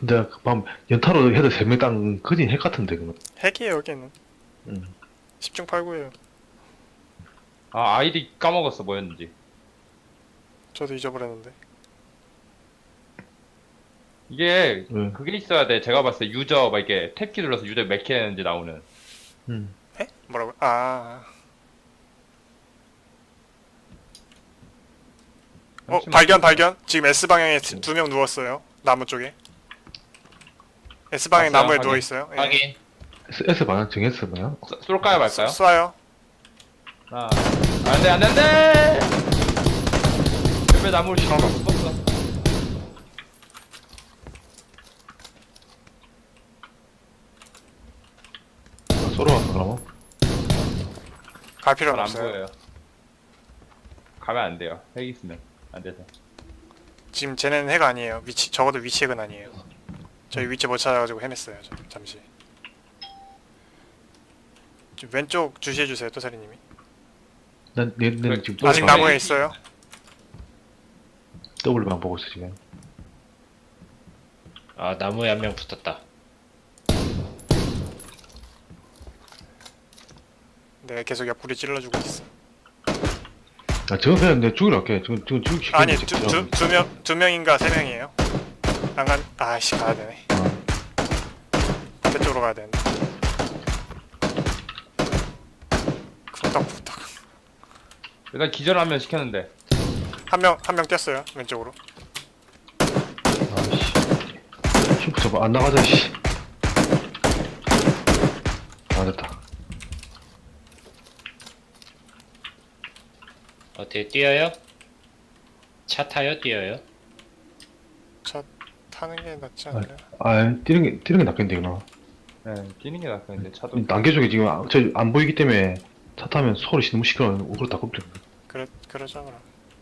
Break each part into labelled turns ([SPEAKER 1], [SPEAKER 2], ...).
[SPEAKER 1] 근데 그밤 연타로 해도 3명 땅 거진 핵 같은데 그거.
[SPEAKER 2] 핵이에요 여기는.
[SPEAKER 1] 응.
[SPEAKER 2] 10중 8구예요.
[SPEAKER 3] 아, 아이디 까먹었어, 뭐였는지.
[SPEAKER 2] 저도 잊어버렸는데.
[SPEAKER 3] 이게,
[SPEAKER 1] 응.
[SPEAKER 3] 그게 있어야 돼. 제가 봤을 때 유저, 막 이렇게 탭키 눌러서 유저 몇 개 했는지 나오는.
[SPEAKER 1] 응.
[SPEAKER 2] 에? 뭐라고? 아.
[SPEAKER 3] 잠시만.
[SPEAKER 2] 발견. 지금 S 방향에 2명 누웠어요. 나무 쪽에. S 방향
[SPEAKER 3] 봤어요,
[SPEAKER 2] 나무에
[SPEAKER 3] 확인.
[SPEAKER 2] 누워 있어요. 예.
[SPEAKER 4] 확인.
[SPEAKER 1] S 방향 정했어 뭐야?
[SPEAKER 3] 쏠까요, 말까요?
[SPEAKER 2] 쏴요.
[SPEAKER 3] 하나. 안 돼, 안 돼, 안 돼! 옆에 나무를 씹어 었어
[SPEAKER 1] 쏘러 왔어 그러면?
[SPEAKER 2] 갈 필요는
[SPEAKER 3] 안
[SPEAKER 2] 없어요.
[SPEAKER 3] 보여요. 가면 안 돼요. 핵 있으면. 안 돼서.
[SPEAKER 2] 지금 쟤네는 핵 아니에요. 적어도 위치 핵은 아니에요. 저희 위치 못 찾아가지고 헤맸어요. 잠시. 좀 왼쪽 주시해주세요, 또사리님이.
[SPEAKER 1] 내
[SPEAKER 3] 그래,
[SPEAKER 1] 지금
[SPEAKER 2] 아직
[SPEAKER 3] 또
[SPEAKER 2] 나무에 있어요.
[SPEAKER 1] W만 보고 있어 지금.
[SPEAKER 4] 아, 나무에 한 명 붙었다.
[SPEAKER 2] 내가 계속 옆구리 찔러주고 있어.
[SPEAKER 1] 아 저건 그냥 내 죽이러 할게. 저건 죽이 시키는
[SPEAKER 2] 아니,
[SPEAKER 1] 거지.
[SPEAKER 2] 두 명인가 세 명이에요. 아씨, 가야 되네. 반대쪽으로 가야 되는데. 쿵떡쿵떡.
[SPEAKER 3] 일단 기절하면 시켰는데.
[SPEAKER 2] 한 명 뛰었어요, 왼쪽으로.
[SPEAKER 1] 아씨. 슈퍼 잡아 안 나가자 씨. 아 됐다.
[SPEAKER 4] 어떻게 뛰어요? 차 타요? 뛰어요?
[SPEAKER 2] 차 타는 게 낫지 않나요?
[SPEAKER 1] 아 뛰는 게 낫겠는데 이거.
[SPEAKER 3] 네, 뛰는 게 낫겠는데, 차도.
[SPEAKER 1] 난개 쪽에 지금 저 안 보이기 때문에 차 타면 소리 너무 시끄러워. 오그로 다 꼽죠.
[SPEAKER 2] 그러자 그럼.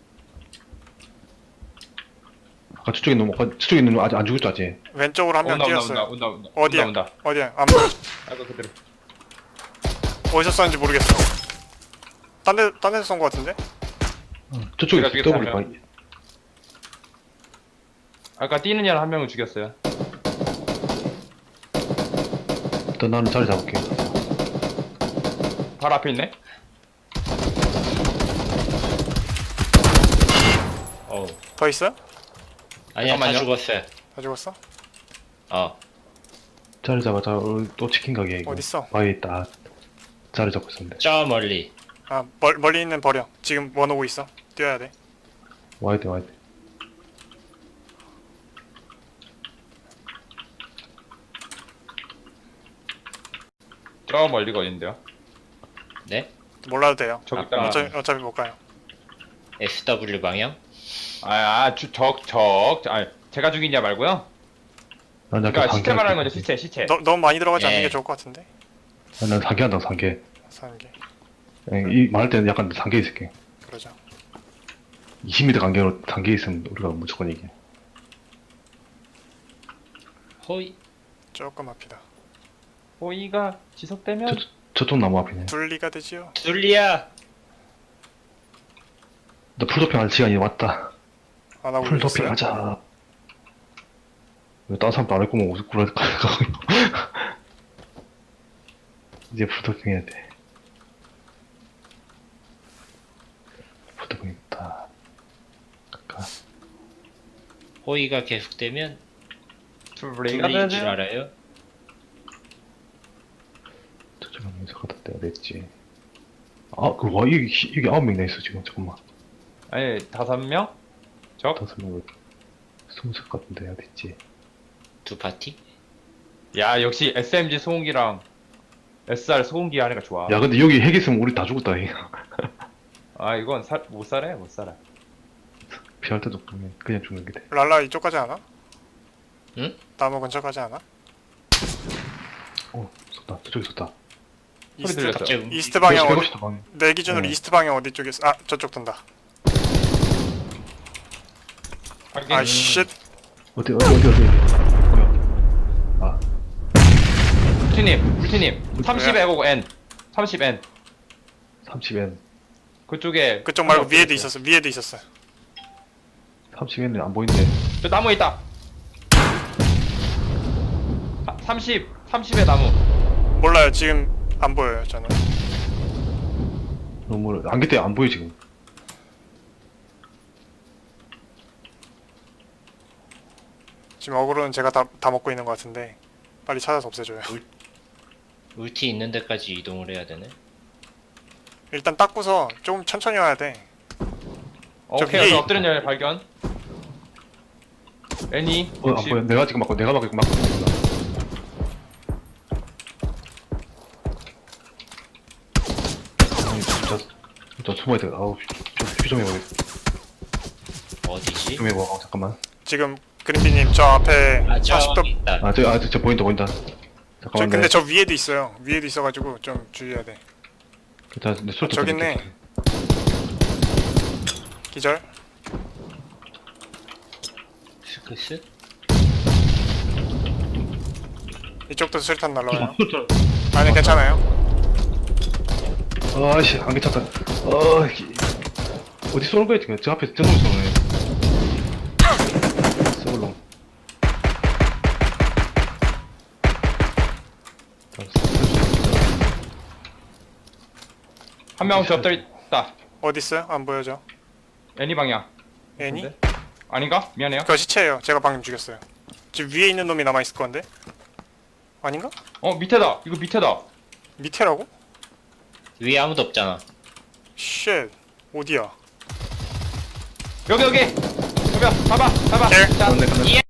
[SPEAKER 1] 아까 저쪽에 있는 저쪽에 있는 놈 아직 안 죽었죠 아직.
[SPEAKER 2] 왼쪽으로 한 명
[SPEAKER 3] 온다,
[SPEAKER 2] 뛰었어요.
[SPEAKER 3] 온다.
[SPEAKER 2] 어디야?
[SPEAKER 3] 온다.
[SPEAKER 2] 어디야? 안 보여.
[SPEAKER 3] 아이고, 그대로.
[SPEAKER 2] 어디서 쐈는지 모르겠어. 딴 데서 쏜 거 같은데?
[SPEAKER 1] 저쪽에
[SPEAKER 3] 제가 죽였어요,
[SPEAKER 1] W 방.
[SPEAKER 3] 아까 뛰는 애한 명을 죽였어요.
[SPEAKER 1] 일단 나는 자리 잡을게.
[SPEAKER 3] 바로 앞에 있네?
[SPEAKER 4] 어우.
[SPEAKER 2] 더 있어요?
[SPEAKER 4] 아니야, 다
[SPEAKER 3] 잠깐만요.
[SPEAKER 4] 죽었어요.
[SPEAKER 2] 다 죽었어?
[SPEAKER 1] 자리 잡아. 또 치킨 가게 이거.
[SPEAKER 2] 어딨어?
[SPEAKER 1] 바위에 딱 자리 잡고 있었는데.
[SPEAKER 4] 저 멀리.
[SPEAKER 2] 아, 멀리 있는 버려. 지금 원 오고 있어. 뛰어야 돼.
[SPEAKER 1] 와야 돼.
[SPEAKER 3] 저 멀리가 어딘데요?
[SPEAKER 4] 네?
[SPEAKER 2] 몰라도 돼요.
[SPEAKER 3] 저기
[SPEAKER 4] 아,
[SPEAKER 3] 있다.
[SPEAKER 2] 어차피 못 가요.
[SPEAKER 4] SW 방향?
[SPEAKER 3] 제가 죽이냐 말고요?
[SPEAKER 1] 난 약간
[SPEAKER 3] 그러니까 시체 말하는 거죠, 시체.
[SPEAKER 2] 너무 많이 들어가지 않는
[SPEAKER 4] 예.
[SPEAKER 2] 게 좋을 것 같은데?
[SPEAKER 1] 난 상계한다 상계.
[SPEAKER 2] 사는 게.
[SPEAKER 1] 이 말할 때는 약간 상계 있을게.
[SPEAKER 2] 그러자.
[SPEAKER 1] 20m 간격으로 상계 있으면 우리가 무조건 이겨.
[SPEAKER 4] 호이.
[SPEAKER 2] 조금 앞이다.
[SPEAKER 3] 호의가 지속되면
[SPEAKER 1] 저쪽 나무 앞이네.
[SPEAKER 2] 분리가 되지요.
[SPEAKER 4] 둘리야.
[SPEAKER 1] 나 풀도핑 할 시간이 왔다.
[SPEAKER 2] 안 하고
[SPEAKER 1] 풀도핑
[SPEAKER 2] 있어요.
[SPEAKER 1] 하자. 왜 다른 사람도 안 했고 뭐 무슨 꿀 할까? 이제 풀도핑 해야 돼. 풀도핑 있다. 아까
[SPEAKER 4] 호이가 계속되면
[SPEAKER 3] 둘리가
[SPEAKER 4] 둘리인 줄
[SPEAKER 3] 되죠.
[SPEAKER 4] 알아요?
[SPEAKER 1] 저쪽에 어디서 갖다 대야 됐지. 아, 여기 9명이나 있어 지금. 잠깐만.
[SPEAKER 3] 아니, 5명? 적?
[SPEAKER 1] 5명 20석 같은데 어디 있지?
[SPEAKER 4] 두 파티?
[SPEAKER 3] 야, 역시 SMG 소음기랑 SR 소음기 하니까 좋아.
[SPEAKER 1] 야 근데 여기 핵 있으면 우리 다 죽었다 이거.
[SPEAKER 3] 아, 이건 못 살아, 못 살아.
[SPEAKER 1] 피할 때도 없네. 그냥 죽는 게 돼.
[SPEAKER 2] 랄라 이쪽까지 하나?
[SPEAKER 4] 응?
[SPEAKER 2] 나무 근처까지 하나?
[SPEAKER 1] 쏟다. 저쪽에 쏟다.
[SPEAKER 2] 이스트,
[SPEAKER 3] 들렸어.
[SPEAKER 4] 갑자기
[SPEAKER 2] 이스트 방향 어디?
[SPEAKER 1] 백업시다 방향.
[SPEAKER 2] 내 기준으로
[SPEAKER 1] 네.
[SPEAKER 2] 이스트 방향 어디 쪽에서? 아, 저쪽 든다.
[SPEAKER 3] 하긴,
[SPEAKER 2] 아, 쉣.
[SPEAKER 1] 어디? 뭐야? 아,
[SPEAKER 3] 울티님, 30에 오고 N. 30N.
[SPEAKER 1] 30N.
[SPEAKER 3] 그쪽에.
[SPEAKER 2] 그쪽 말고
[SPEAKER 3] 한 명
[SPEAKER 2] 위에도
[SPEAKER 3] 없어졌어요.
[SPEAKER 2] 있었어. 위에도 있었어.
[SPEAKER 1] 30N은 안 보이는데.
[SPEAKER 3] 저 나무에 있다. 30의 나무.
[SPEAKER 2] 몰라요. 지금 안 보여요. 저는.
[SPEAKER 1] 너무 안개 때문에 안 보여 지금.
[SPEAKER 2] 지금 어그로는 제가 다 먹고 있는 것 같은데 빨리 찾아서 없애줘요.
[SPEAKER 4] 울티 있는 데까지 이동을 해야 되네.
[SPEAKER 2] 일단 닦고서 좀 천천히 와야 돼. 저
[SPEAKER 3] 오케이,
[SPEAKER 2] 위에
[SPEAKER 3] 여기 엎드린 열 발견. 애니.
[SPEAKER 1] 안 보여. 내가 지금 막고 내가 막고 있어. 아니 진짜 숨어야 돼. 아우 좀 해봐.
[SPEAKER 4] 어디지?
[SPEAKER 1] 좀 해봐. 잠깐만.
[SPEAKER 2] 지금 그린비님 저 앞에
[SPEAKER 4] 아, 저
[SPEAKER 2] 40도.
[SPEAKER 4] 있다.
[SPEAKER 1] 저 보인다.
[SPEAKER 2] 저
[SPEAKER 1] 잠깐만.
[SPEAKER 2] 근데 저 위에도 있어요. 위에도 있어가지고 좀 주의해야 돼.
[SPEAKER 1] 일단 내 술도
[SPEAKER 2] 저기 있네. 기절.
[SPEAKER 4] 스크스?
[SPEAKER 2] 이쪽도 수류탄 날라와요.
[SPEAKER 1] 술탄.
[SPEAKER 2] 아니 괜찮아요.
[SPEAKER 1] 아씨 안개 찼다. 어디 쏘는 거야 지금? 저 앞에 저놈 쏘네. 쏘울롱.
[SPEAKER 3] 한 명 저 엎드려 있다.
[SPEAKER 2] 어디 있어요? 안 보여져.
[SPEAKER 3] 애니 방향.
[SPEAKER 2] 애니?
[SPEAKER 3] 근데? 아닌가? 미안해요.
[SPEAKER 2] 그거 시체예요. 제가 방금 죽였어요. 지금 위에 있는 놈이 남아 있을 건데. 아닌가?
[SPEAKER 3] 밑에다. 이거 밑에다.
[SPEAKER 2] 밑에라고?
[SPEAKER 4] 위에 아무도 없잖아.
[SPEAKER 2] 쉣. 어디야?
[SPEAKER 3] 여기. 여기. 봐봐.
[SPEAKER 2] 킬.
[SPEAKER 3] 자,
[SPEAKER 1] 간다.